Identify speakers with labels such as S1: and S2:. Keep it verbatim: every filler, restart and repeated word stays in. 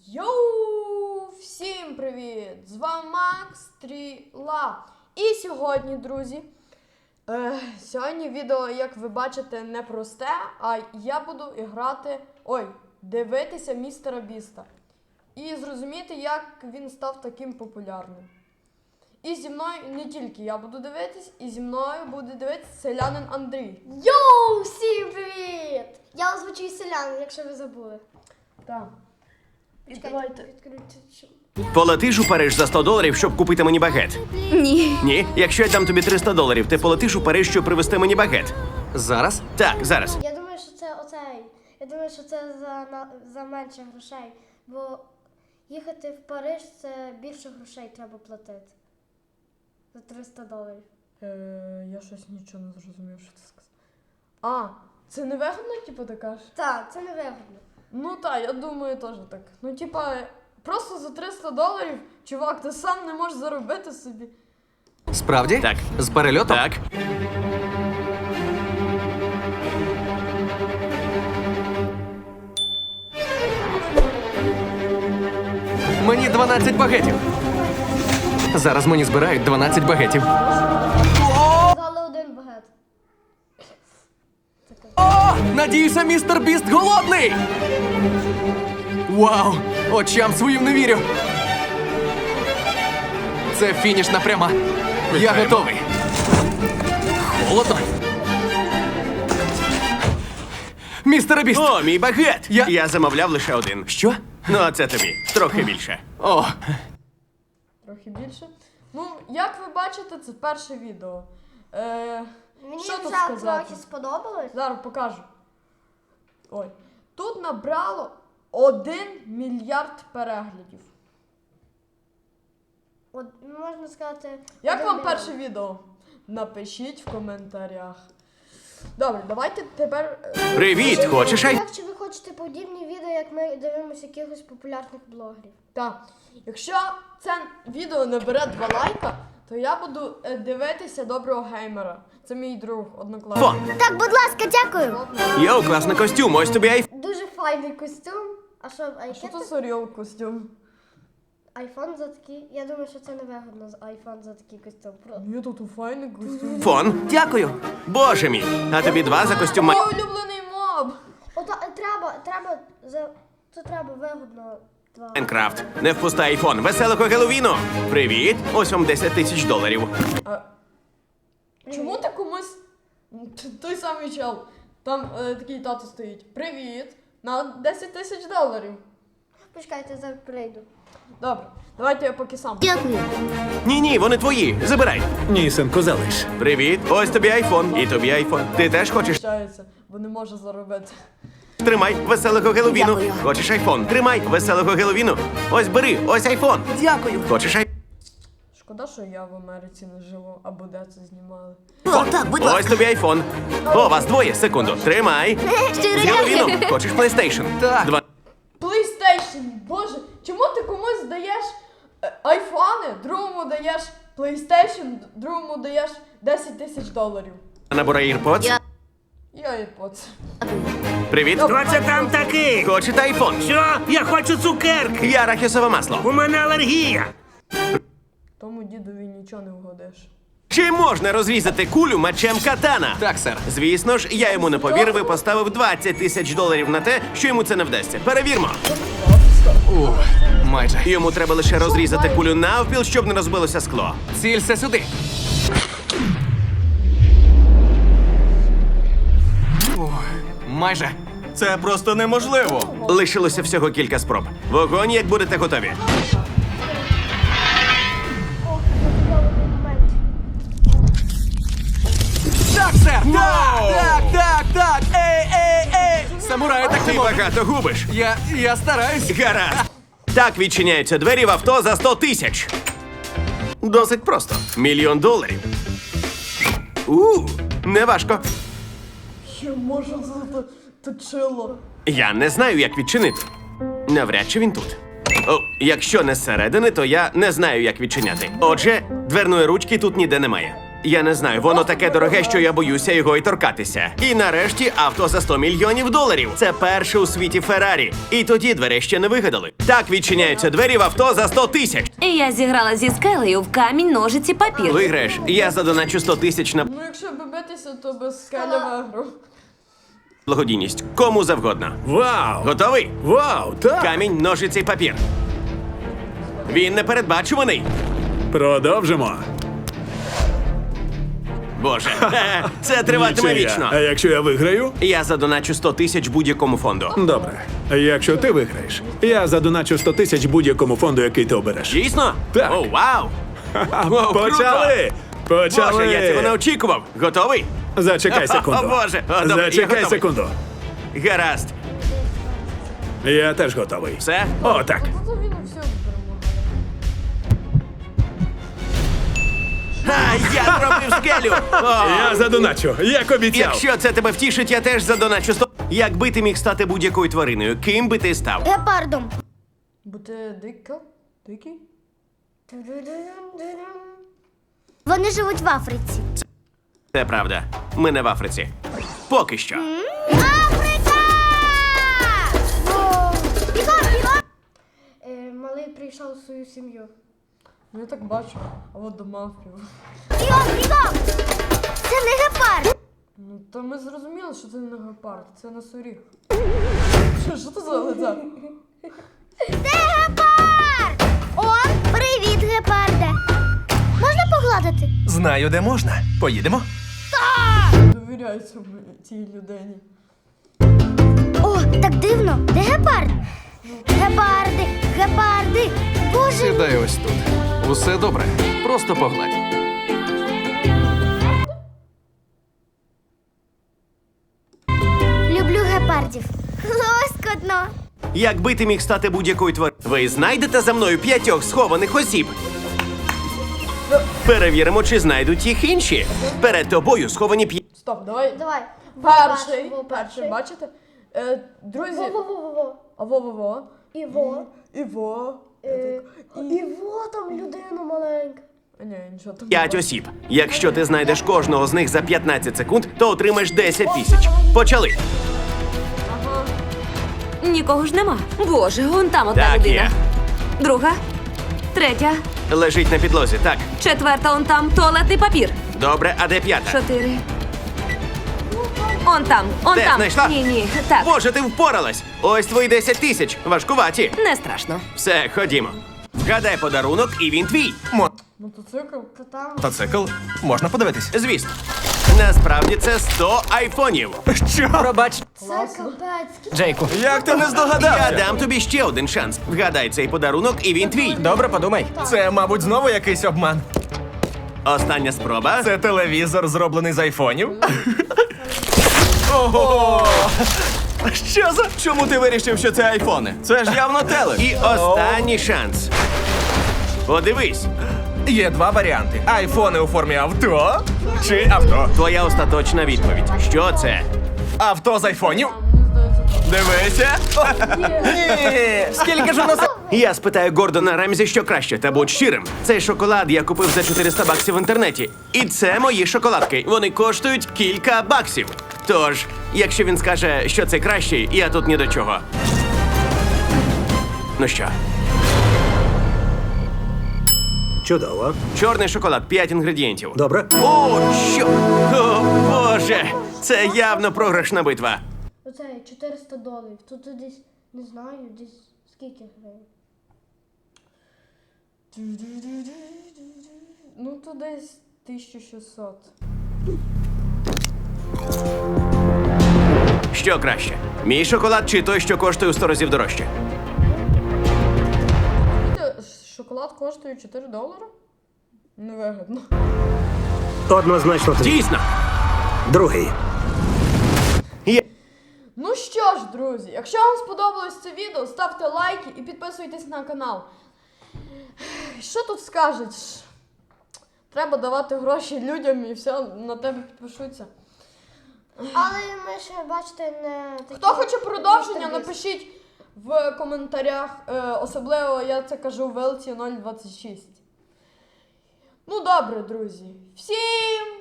S1: Йоу! Всім привіт! З вами Макс Стріла. І сьогодні, друзі, е, сьогодні відео, як ви бачите, не просте, а я буду грати, ой, дивитися Містера Біста. І зрозуміти, як він став таким популярним. І зі мною не тільки я буду дивитись, і зі мною буде дивитися селянин Андрій.
S2: Йоу, всім привіт! Я озвучую селянин, якщо ви забули.
S1: Так. І
S2: Чекайте,
S1: давайте.
S2: відключу.
S3: Полетиш у Париж за сто доларів, щоб купити мені багет?
S4: Ні.
S3: Ні? Якщо я дам тобі триста доларів, ти полетиш у Париж, щоб привезти мені багет?
S5: Зараз?
S3: Так, зараз.
S2: Я думаю, що це оцей. Я думаю, що це за, на, за менше грошей. Бо їхати в Париж це більше грошей треба платити. За триста доларів.
S1: Е, я щось нічого не зрозумів, що це сказав. А, це не вигідно, типу, ти кажеш?
S2: Так, це не вигідно.
S1: Ну так, я думаю, теж так. Ну, типа, просто за триста доларів, чувак, ти сам не можеш заробити собі.
S5: Справді?
S3: Так.
S5: З перельотом?
S3: Так.
S5: Мені дванадцять багетів. Зараз мені збирають дванадцять багетів.
S2: Дали один багет.
S5: О! Надіюся, містер Біст голодний! Вау! Очам своїм не вірю! Це фінішна пряма. Я готовий. Холодно. Містер Біст!
S3: О, мій багет!
S5: Я-
S3: Я замовляв лише один.
S5: Що?
S3: Ну, а це тобі. Трохи більше.
S5: О,
S1: Трохи більше. Ну, як ви бачите, це перше відео. Е,
S2: Мені
S1: що тут
S2: вже
S1: сказати?
S2: трохи сподобалось.
S1: Зараз покажу. Ой. Тут набрало один мільярд переглядів.
S2: От, можна сказати.
S1: Як
S2: один
S1: вам
S2: мільйон.
S1: перше відео? Напишіть в коментарях. Добре, давайте тепер. е,
S3: Привіт, хочеш ай?
S2: Якщо ви хочете подібні відео, як ми дивимося якихось популярних блогерів.
S1: Так, якщо це відео набере два лайка, то я буду е, дивитися доброго геймера. Це мій друг, однокласник.
S3: Фон.
S2: Так, будь ласка, дякую.
S3: Йоу, класний костюм, ось тобі айфон.
S2: Дуже файний костюм. А що, а
S1: Що
S2: яке
S1: це
S2: це?
S1: за ріл костюм?
S2: Айфон за такий? Я думаю, що це не вигодно з айфон за такий костюм. Про-
S1: Є тут файний костюм.
S3: Фон. Дякую. Боже мій. А тобі два за костюм.
S1: Мій
S3: ма-
S1: улюблений моб!
S2: Ото е, треба, треба за тут треба вигодно два.
S3: Майнкрафт. Не впустай айфон. Веселого Геловіну. Привіт. Ось вам десять тисяч доларів.
S1: А, чому ти комусь. Т- Той самий чел. Там е, такий тато стоїть. Привіт! На десять тисяч доларів.
S2: Почекайте, зараз прийду.
S1: Добре, давайте я поки сам.
S3: Ні-ні, вони твої. Забирай.
S6: Ні, синку, залиш.
S3: Привіт. Ось тобі айфон. І тобі айфон. Ти теж хочеш?
S1: Прощаються, бо не може заробити.
S3: Тримай веселого Геловіну.
S4: Дякую.
S3: Хочеш айфон? Тримай веселого Геловіну. Ось бери, ось айфон.
S4: Дякую.
S3: Хочеш айфон?
S1: Шкода, що я в Америці не живу, або де це знімали.
S4: О, так, будь ласка.
S3: Ось тобі айфон. О, вас двоє. Секунду. Тримай.
S4: Щиро
S3: З
S4: дякую.
S3: Геловіном. Хочеш PlayStation?
S5: Так.
S3: Два.
S1: PlayStation! Боже, чому ти комусь даєш е, айфони, другому даєш PlayStation, другому даєш десять тисяч доларів?
S3: Набирай AirPods.
S4: Я-
S1: І AirPods.
S3: Привіт.
S7: Хто це там такий?
S3: Хочете айфон?
S7: Що? Я хочу цукерки.
S3: Я арахісове масло.
S7: У мене алергія.
S1: Тому дідові нічого не вгодиш.
S3: Чи можна розрізати кулю мечем катана?
S5: Так, сер.
S3: Звісно ж, я йому не повірив і поставив двадцять тисяч доларів на те, що йому це не вдасться. Перевірмо.
S5: О, майже.
S3: Йому треба лише розрізати кулю навпіл, щоб не розбилося скло.
S5: Цілься сюди. О, майже.
S6: Це просто неможливо.
S3: Лишилося всього кілька спроб. Вогонь, як будете готові.
S2: Ох, чудовий момент.
S5: Так, сер! Так, так, так, так! Ей, ей, ей! Самурай, так не
S3: Ти
S5: можна.
S3: багато губиш.
S5: Я, я стараюсь.
S3: Гаразд. Так відчиняються двері в авто за сто тисяч. Досить просто. Мільйон доларів. У, неважко.
S1: Я можу заточило.
S3: Я не знаю, як відчинити. Навряд чи він тут. О, якщо не зсередини, то я не знаю, як відчиняти. Отже, дверної ручки тут ніде немає. Я не знаю, воно таке дороге, що я боюся його й торкатися. І нарешті авто за сто мільйонів доларів. Це перше у світі Феррарі. І тоді двері ще не вигадали. Так відчиняються двері в авто за сто тисяч.
S4: І я зіграла зі скелею в камінь, ножиці, папір.
S3: Виграєш, я задоначу сто тисяч на
S1: Ну, якщо би битися, то без скелі виграв.
S3: благодійність. Кому завгодно.
S6: Вау!
S3: Готовий?
S6: Вау, так!
S3: Камінь, ножиці, папір. Він непередбачуваний.
S6: Продовжимо.
S3: Боже, це триватиме
S6: Нічия.
S3: вічно.
S6: А якщо я виграю?
S3: Я задоначу сто тисяч будь-якому фонду.
S6: Добре. А якщо ти виграєш, я задоначу сто тисяч будь-якому фонду, який ти обереш.
S3: Дійсно?
S6: Так.
S3: О, вау! О,
S6: Почали! Почали!
S3: Боже, я цього не очікував. Готовий?
S6: Зачекай секунду.
S3: О, Боже. О, добре, я
S6: Зачекай
S3: готовий.
S6: секунду.
S3: Гаразд.
S6: Я теж готовий.
S3: Все?
S6: О, так.
S1: Ну, то він все перемагає.
S3: Ха, я зробив скелю! О,
S6: Я задоначу, як обіцяв.
S3: якщо це тебе втішить, я теж задоначу сто. Якби ти міг стати будь-якою твариною, ким би ти став?
S2: Гепардом.
S1: Бути дика? Дикий?
S2: Вони живуть в Африці.
S3: Це правда. Ми не в Африці. Поки що.
S2: Африка! Бігом, бігом! Е, малий прийшов у свою сім'ю.
S1: Ну, я так бачу. А от до мавпів.
S2: Бігом, бігом! Це не гепард!
S1: Ну, то ми зрозуміли, що це не гепард, це носоріг. Що, що це за лиця?
S2: Це гепард! Он, привіт, гепарде! Можна погладити?
S5: Знаю, де можна. Поїдемо?
S1: Довіряю цьому цій людині.
S2: О, так дивно. Де гепард? Гепарди, гепарди! Боже!
S5: Сідай ось тут. Усе добре. Просто погладь.
S2: Люблю гепардів. Лоскотно.
S3: Якби ти міг стати будь-якою твариною, ви знайдете за мною п'ятьох схованих осіб. Перевіримо, чи знайдуть їх інші. Перед тобою сховані п'ять.
S1: Стоп, давай.
S2: Давай.
S1: Перший,
S2: Во,
S1: перший, бачите? Е, друзі,
S2: Во-во-во-во.
S1: а во-во-во.
S2: І во.
S1: І во.
S2: Е, І во там людина маленька.
S1: А, ні, нічого там.
S3: П'ять осіб. Якщо ти знайдеш кожного з них за п'ятнадцять секунд, то отримаєш десять тисяч. Почали.
S4: Нікого ж нема. Боже, он там одна
S3: Так,
S4: людина.
S3: є.
S4: Друга, третя,
S3: Лежить на підлозі, так.
S4: четверта, он там туалетний папір.
S3: Добре, а де п'ята?
S4: Чотири. Он там, он
S3: Де,
S4: там.
S3: знайшла?
S4: Ні, ні. Так,
S3: Боже, ти впоралась! Ось твої десять тисяч. Важкуваті.
S4: не страшно.
S3: Все, ходімо. Вгадай подарунок, і він твій.
S1: Мотоцикл?
S2: То там.
S5: Мотоцикл. Можна подивитись.
S3: Звісно. Насправді це сто айфонів.
S5: Що? Пробач.
S2: Це капець.
S5: Джейку. Як ти не
S3: Я
S5: здогадався?
S3: дам тобі ще один шанс. Вгадай цей подарунок, і він твій.
S5: Добре, подумай. Це, мабуть, знову якийсь обман.
S3: Остання спроба.
S5: Це телевізор, зроблений з айфонів. Ого! Що за? Чому ти вирішив, що це айфони? Це ж явно телек.
S3: І останній шанс. Подивись.
S5: Є два варіанти: айфони у формі авто чи авто.
S3: Твоя остаточна відповідь. Що це?
S5: Авто з айфонів.
S1: Мені здається, так.
S5: Дивися. Ні. Скільки ж у нас?
S3: Я спитаю Гордона Ремзі, що краще, та будь щирим. Цей шоколад я купив за чотириста баксів в інтернеті. І це мої шоколадки. Вони коштують кілька баксів. Тож, якщо він скаже, що це кращий, я тут ні до чого. Ну що,
S6: Чудово.
S3: чорний шоколад, п'ять інгредієнтів.
S6: Добре.
S3: О, що? О, Боже! Це явно програшна битва.
S2: Оце чотириста доларів. Тут десь, не знаю, десь скільки гривень.
S1: Ну, то десь тисяча шістсот.
S3: Що краще? Мій шоколад чи той, що коштує у сто разів дорожче?
S1: Знаєте, шоколад коштує чотири долари? Невигідно.
S8: Однозначно твій.
S3: Дійсно!
S8: Другий.
S3: Я...
S1: Ну що ж, друзі, якщо вам сподобалось це відео, ставте лайки і підписуйтесь на канал. Що тут скажеш? Треба давати гроші людям і все, на тебе підпишуться.
S2: Але ми ще, бачите, не такі.
S1: Хто хоче продовження,
S2: містер Біст.
S1: напишіть в коментарях. Е, особливо я це кажу в Елці нуль двадцять шість. Ну добре, друзі. Всім